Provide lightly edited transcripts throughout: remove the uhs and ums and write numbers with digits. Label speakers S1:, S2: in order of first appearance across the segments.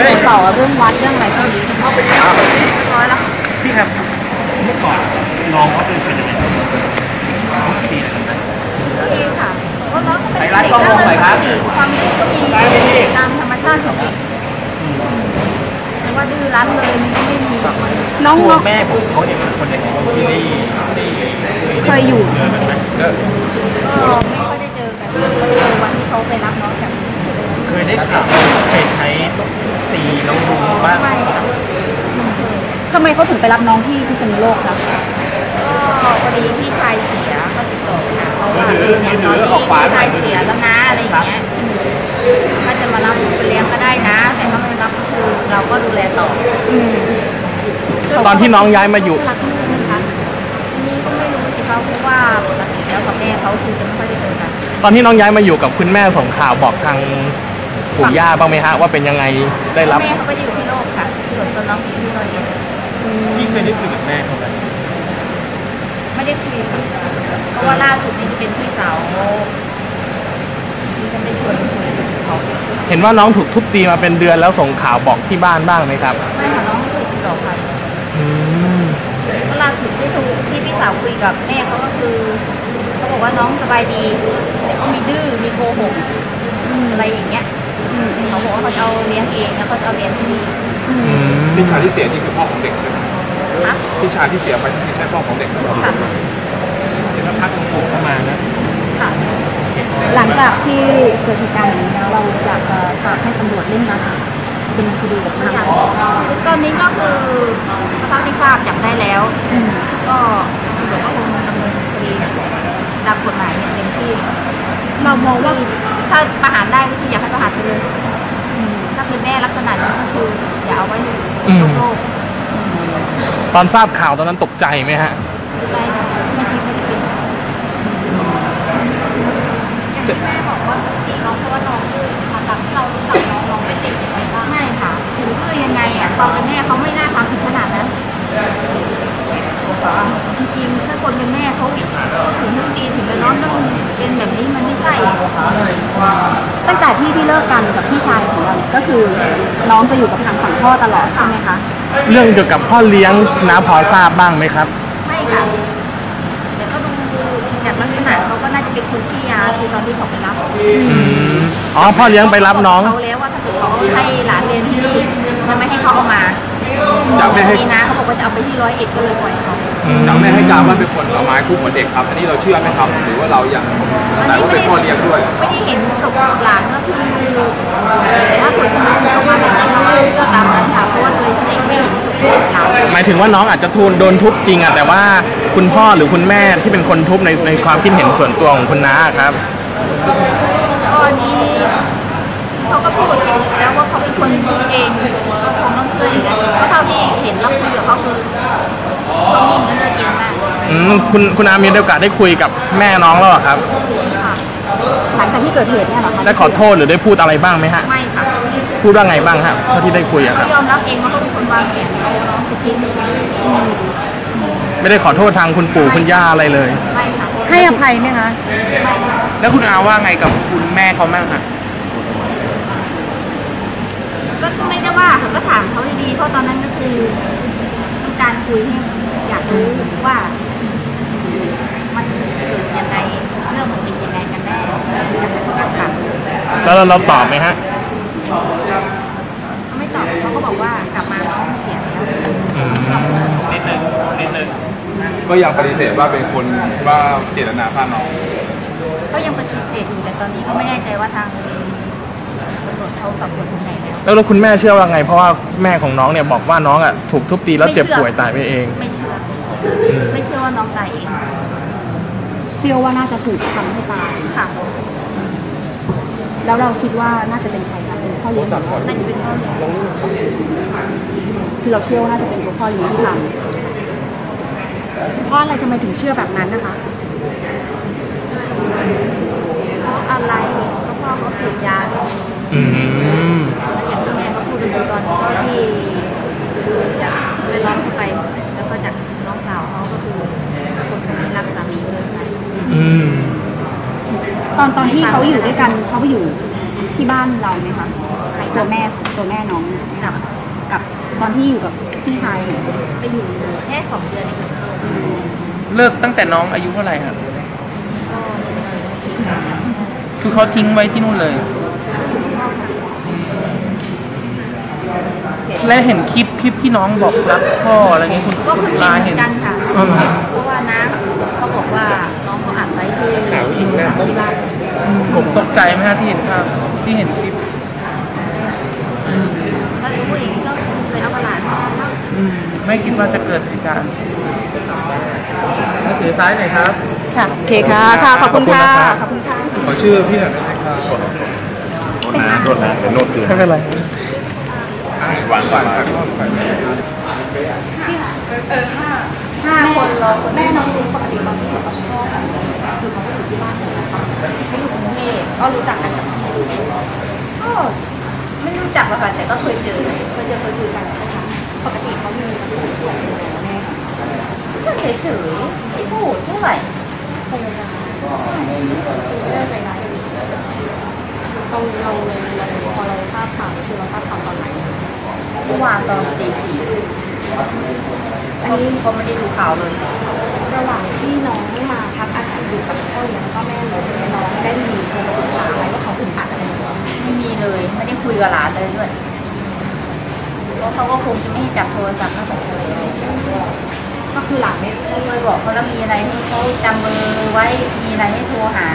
S1: ได้ต่อเรื่องวัดเรื่องอะไรก็ดีน้อยแล้ว
S2: พี่ครับเมื่อก่อนน้องเขาเป็นยังไงตีอะไรกัน
S1: ดีค่ะเพราะน้องเป็นเด็กน่ารักดีความดื้อก็มีตามธรรมชาติของเด็กแต่ว่าดื้อรั้นเลยมันก็ไม่มี
S2: น้องแม่ผมเขาเนี่ยเป็นคนในของที่นี่
S1: เคยอยู่
S2: เจอกันไหม
S1: ก็ไม่ค่อยได้เจอกันก็เจอวันที่เขาไปรับน้องจาก
S2: เคยได้ข่าวเคยใช้ตีแล้วรุมบ้าง
S1: ไม่ค่ะทำไมเขาถึงไปรับน้องที่พิษณุโลกคะก็พอดีพี่ชายเสียก็ติดต่อค่ะเพราะว่าเนี่ยตอนนี้พี่ชายเสียแล้วนะอะไรอย่างเงี้ยถ้าจะมารับไปเลี้ยงก็ได้นะแต่ถ้าไม่รับก็คือเราก็ดูแลต่อ
S3: ตอนที่น้องย้ายมาอยู่
S1: รักลูกนะคะทีนี้ก็ไม่รู้สิเขาเพราะว่าปกติแล้วกับแม่เขาคือจะไม่ค่อยได้เจอกัน
S3: ตอนที่น้องย้ายมาอยู่กับคุณแม่ส่งข่าวบอกทางปู่ย่าบ้างไหมฮะว่าเป็นยังไงได้รับ
S1: แม่เขาก็อยู่ที่โลกค่ะส่วนตัวน้องอยู่ที่โรงเรียน
S2: พี่เคยได้คุยกับแม่เขาไหม
S1: ไม่ได้คุยเพราะว่าล่าสุดนี่จะเป็นพี่สาวที่จะเป็นคนคุยกับเขา
S3: เห็นว่าน้องถูกทุบตีมาเป็นเดือนแล้วส่งข่าวบอกที่บ้านบ้างไหมครับ
S1: ไม่ค่ะน้องไม่เคยติดต่อใครเวลาสุดที่พี่สาวคุยกับแม่เขาก็คือเขาบอกว่าน้องสบายดีแต่ก็มีดื้อมีโกหกอะไรอย่างเงี้ยเขาบอกว่าเขาจะเอาเลี้ยงเองแล้วเขาจะเอาเลี้ยงที่นี่
S4: พี่ชายที่เสียนี่คือพ่อของเด็กใช่ไหมพี่ชายที่เสียไปนี่ใช่พ่อของเด็กค่ะ
S2: เดี๋ยวพักของผมเข้ามานะ
S1: ค่ะหลังจากที่เกิดเหตุการณ์อย่างนี้แล้วเราอยากจะฝากให้ตำรวจเร่งรัดเป็นคดีกับทางตอนนี้ก็คือเท่าที่ทราบจับได้แล้วก็ตำรวจก็คงดำเนินคดีตามกฎหมายอย่างเต็มที่เรามองว่าถ้าประหารได้ก็คืออยากให้ประหารไปเลยถ้าเป็นแม่ลักษณะนี้ก็คืออย่าเอาไว้อยู่โลก
S3: ตอนทราบข่าวตอนนั้นตกใจไหมฮะ
S1: ไม่คิดไม่ได้เป็นแม่บอกว่าตีน้องเพราะว่าน้องดื้อมาจากที่เรารู้จักน้องเป็นเด็กยังไงบ้างไม่ค่ะถึงดื้อยังไงอ่ะตอนเป็นแม่เขาไม่น่าทำถึงขนาดนั้นจริงๆถ้าคนเป็นแม่เขาถึงต้องตีถึงจะน้องต้องเป็นแบบนี้มันไม่ใช่ตั้งแต่ที่พี่เลิกกันกับพี่ชายของเราก็คือน้องจะอยู่กับทางฝั่งพ่อตลอดใช่ไหมคะ
S3: เรื่องเกี่ยวกับพ่อเลี้ยงน้าพอทราบบ้างไหมครับ
S1: ไม่ค่ะแต่ก็ดูจากลักษณะเขาก็น่าจะเป็นคนที่ยาคือตอนที่เขาไปรับ
S3: อ๋อพ่อเลี้ยงไปรับน้อง
S1: เขาแล้วว่าถ้าเกิดเขาให้หลานเรียนที่นี่จะไม่ให้เขาเอามา
S4: จากแม่ให้
S1: นะเขาบอกว่าจะเอาไปที่101ก็เลยปล่อยเขา
S4: จากแม่ให้การว่าเป็นคนเอาไม้คู่หัวเด็กครับอันนี้เราเชื่อไหมครับหรือว่าเราอยากสงสัยว่าเป็นพ่อเลี้ยงด้วย
S1: ไม่ได้เห็นศพหลานก็คือถ้าเกิดคุณเขามาแบบนั้นก็ตามนั้นค่ะเพราะว่าเลยเด็กไม่เห็นศพหลาน
S3: หมายถึงว่าน้องอาจจะโดนทุบจริงอะแต่ว่าคุณพ่อหรือคุณแม่ที่เป็นคนทุบในความคิดเห็นส่วนตัวของคุณน้าครับ
S1: ตอนนี้เขาก็พูดแล้วว่าเขาเป็นคนเองก็คงต้องเชื่ออย่างนั้นเพราะเท่าที่เห็นแล้วคุยกับเขาคือเขานิ่งและเลือกเย็นมาก
S3: คุณอามีโอกาสได้คุยกับแม่น้องแล้วครับ
S1: หลังจากที่เกิดเหตุเนี่ยหรอคะ
S3: ได้ขอโทษหรือได้พูดอะไรบ้างไหมฮะ
S1: ไม่ค่ะ
S3: พูดว่าไงบ้างครับเท่าที่ได้คุยอะครับ
S1: เขายอมรับเองว่าเขาเป็นคนวางแผนเอาน้องไปทิ้ง
S3: ไม่ได้ขอโทษทางคุณปู่คุณย่าอะไรเลย
S1: ไม่ค่ะ
S3: ให้อภัยไหมคะแล้วคุณอาว่าไงกับคุณแม่เขาบ้างคะ
S1: ก็ไม่ได้ว่าเขาก็ถามเขาดีๆเพราะตอนนั้นก็คือต้องการคุยให้อยากรู้ว่ามันเกิดยังไงเรื่องมันเป็นยังไงกันแน่
S3: แล้วเราตอบไหมฮะ
S1: ไม่ตอบเขาก็บอกว่ากลับมาน้องเสียแล้ว
S2: นิดนึง
S4: ก็ยังปฏิเสธว่าเป็นคนว่าเจตนาฆ่าน้อง
S1: ก็ยังปฏิเสธอยู่แต่ตอนนี้ก็ไม่แน่ใจว่าทางตำรวจเขาสอบสวนถึงไหน
S3: แล้วคุณแม่เชื่อว่าไงเพราะว่าแม่ของน้องเนี่ยบอกว่าน้องอ่ะถูกทุบตีแล้วเจ็บป่วยตายไปเอง
S1: ไม่เชื่อว่าน้องตายเองเชื่อว่าน่าจะถูกทำให้ตายค่ะแล้วเราคิดว่าน่าจะเป็นใครคะเป็นพ่อเลี้ยงน่าจะเป็นพ่อเลี้ยงคือเราเชื่อว่าน่าจะเป็นพ่อเลี้ยงที่ทำเพราะอะไรทำไมถึงเชื่อแบบนั้นนะคะเพราะอะไรเพราะพ่อเขาเสพยาอย่างที่แม่เขาพูดตอนที่จะไปร้องไปแล้วก็จากน้องสาวเขาก็คือคนคนนี้รักสามีเกินไปตอนที่เขาอยู่ด้วยกันเขาไปอยู่ที่บ้านเราไหมคะตัวแม่น้องกับตอนที่อยู่กับพี่ชายไปอยู่แค่2 เดือนเอง
S5: เลิกตั้งแต่น้องอายุเท่าไหร่ครับคือเขาทิ้งไว้ที่นู่นเลย และเห็นคลิปที่น้องบอกรักพ่ออะไรเงี้ยคุณ
S1: ก็เพิ่ง
S5: ลา
S1: เห็
S5: เห็
S1: น
S5: น
S1: กันค่ะเพราะว่าน้าเขาบอกว่าน้องเขาอัดไว้ที่บ้าน
S5: ผมตกใจไหมฮะที่เห็นภาพที่เห็นคลิป
S1: ก็รู้อย่างนี้ก็ไปเอากระดาษมา
S5: ไม่คิดว่าจะเกิดเหตุการณ์ถือซ้ายหน่อยครับ
S1: ค่ะโอเคค่ะขอบคุณค่ะขอบคุณค่ะ
S4: ขอชื่อพี่หน่อยได้ไหมครับ
S3: โทษนะเดี๋ยวโน้ตคืน
S5: ไม่เป็นไร
S3: วางก่อน
S1: 5 คนเราแม่น้องรู้ปกติตอนที่อยู่กับพ่อคือเขาก็อยู่ที่บ้านเลยนะคะเขาอยู่กรุงเทพก็รู้จักกันกับพี่ก็ไม่รู้จักหรอกค่ะแต่ก็เคยเจอคุยกันใช่ไหมปกติเขามีส่วนอะไรแม่ก็เฉยๆไม่พูดเท่าไหร่ใจร้ายไม่ได้ใจร้ายเราพอเราทราบข่าวคือเราทราบข่าวตอนไหนเมื่อวานตอนตี 4อันนี้เขาไม่ได้ดูข่าวเลยระหว่างที่น้องมาพักอาศัยอยู่กับพ่อเลี้ยงแล้วก็แม่เลี้ยงน้องได้มีโทรมาปรึกษาอะไรว่าเขาอึดอัดอะไรไม่มีเลยไม่ได้คุยกับหลานเลยด้วยเพราะเขาก็คงจะไม่ให้จับโทรศัพท์แล้วก็คือหลานไม่เคยบอกเขาแล้วมีอะไรให้เขาจำเบอร์ไว้มีอะไรให้โทรหา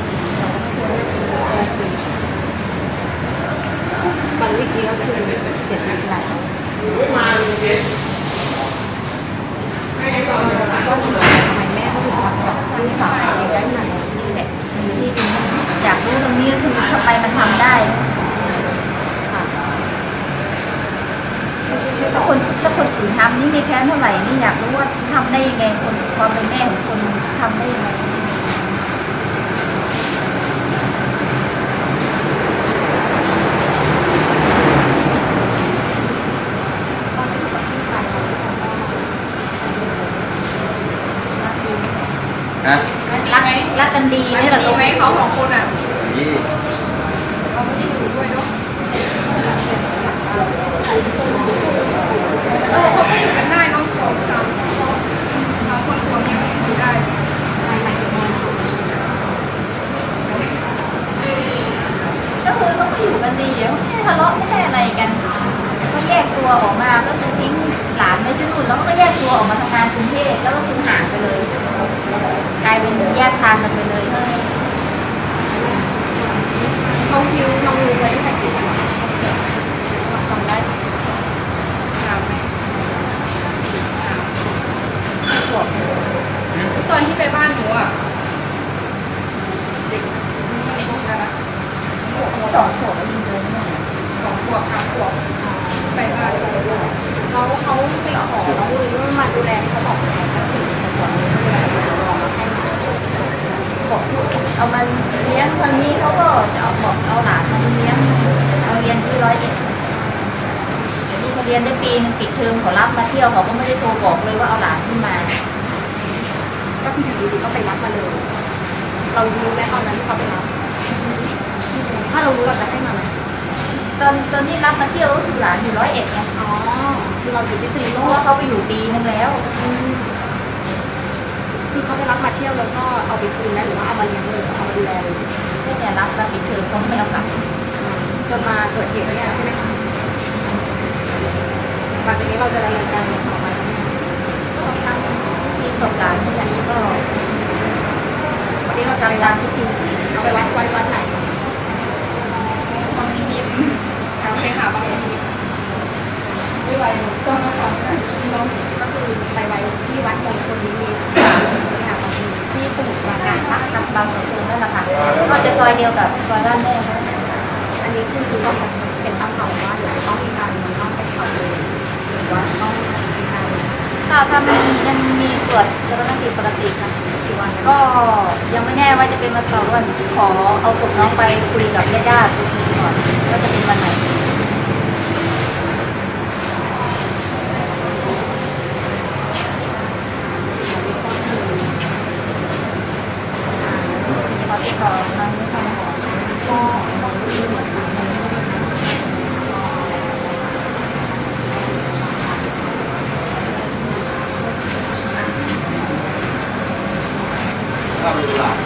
S1: บางวิธีก็คือเสียชีวิตแล้วทำไมแม่เขาถึงทำกับลูกสาวเองได้ขนาดนี้แหละที่อยากรู้ตรงนี้ก็คือทำไมมันทำได้ค่ะถ้าคนอื่นทำนี่ไม่แค้นเท่าไหร่นี่อยากรู้ว่าทำได้ยังไงคนความเป็นแม่ของคนทำได้ยังไงรักกันดีไหมล่ะลูกเขา2 คนอ่ะเขาไม่ได้อยู่ด้วยเนาะเขาก็อยู่กันได้น้อง2 3น้องคนรวมยังอยู่ได้ก็คือเขาก็อยู่กันดีไม่ทะเลาะไม่ได้อะไรกันก็แยกตัวออกมาก็คือทิ้งหลานไว้ที่นู่นแล้วก็แยกตัวออกมาทำงานกรุงเทพแล้วก็คือห่างไปเลยกลายเป็นแยกทางกันไปเลยเขาคิวน้องรู้ไว้แค่กี่วันทำได้ตอนที่ไปบ้านหนูอ่ะเด็กอะไรนะ2 ขวบแล้วยิงเลย2 ขวบ3 ขวบไปบ้านแล้วเขาไปขอเราหรือมาดูแลเขาบอกแทนก็คือจะขอดูแลรอให้บอกเอามาเลี้ยงคนนี้เขาก็จะเอาหลานมาเลี้ยงเอาเรียนที่101แต่นี่เขาเรียนได้ปีนึงปิดเทอมเขารับมาเที่ยวเขาก็ไม่ได้โทรบอกเลยว่าเอาหลานขึ้นมาก็คืออยู่ดีๆก็ไปรับมาเลยเรารู้แม้ตอนนั้นที่เขาไปรับถ้าเรารู้เราจะให้มาไหมตอนนี้รับมาเที่ยวก็คือหลานอยู่101ไงอ๋อคือเราอยู่ที่ซีโร่ว่าเขาไปอยู่ปีนึงแล้วคือเขาไปรับมาเที่ยวแล้วก็เอาไปคืนแล้วหรือว่าเอามาเลี้ยงเลยเอามาดูแลเลยเนี่ยรับมาปิดเทอมเขาไม่เอากลับจนมาเกิดเหตุเนี่ยใช่ไหมคะหลังจากนี้เราจะดำเนินการต่อไปแล้วเนี่ยก็ทำที่สงการที่ไหนก็วันนี้เราจะไปร้านพิธีเอาไปวัดไหนความนิมิตโอเคค่ะบางทีไม่ไหวก็มาขอน้องก็คือไปไว้ที่วัดมงคลนิมิตค่ะที่สมุทรปราการบางสกุลนั่นแหละค่ะก็จะซอยเดียวกับซอยบ้านแม่เขาอันนี้คือต้องเป็นตั้งเป้าว่าเดี๋ยวต้องมีการต้องไปทำเลยหรือว่าต้องมีการถ้ามันยังมีตรวจกรณีปกติค่ะกี่วันก็ยังไม่แน่ว่าจะเป็นวัน2 วันขอเอาศพน้องไปคุยกับญาติก่อนว่าจะเป็นวันไหนขอติดต่อทางนี้ค่ะ
S4: ครับ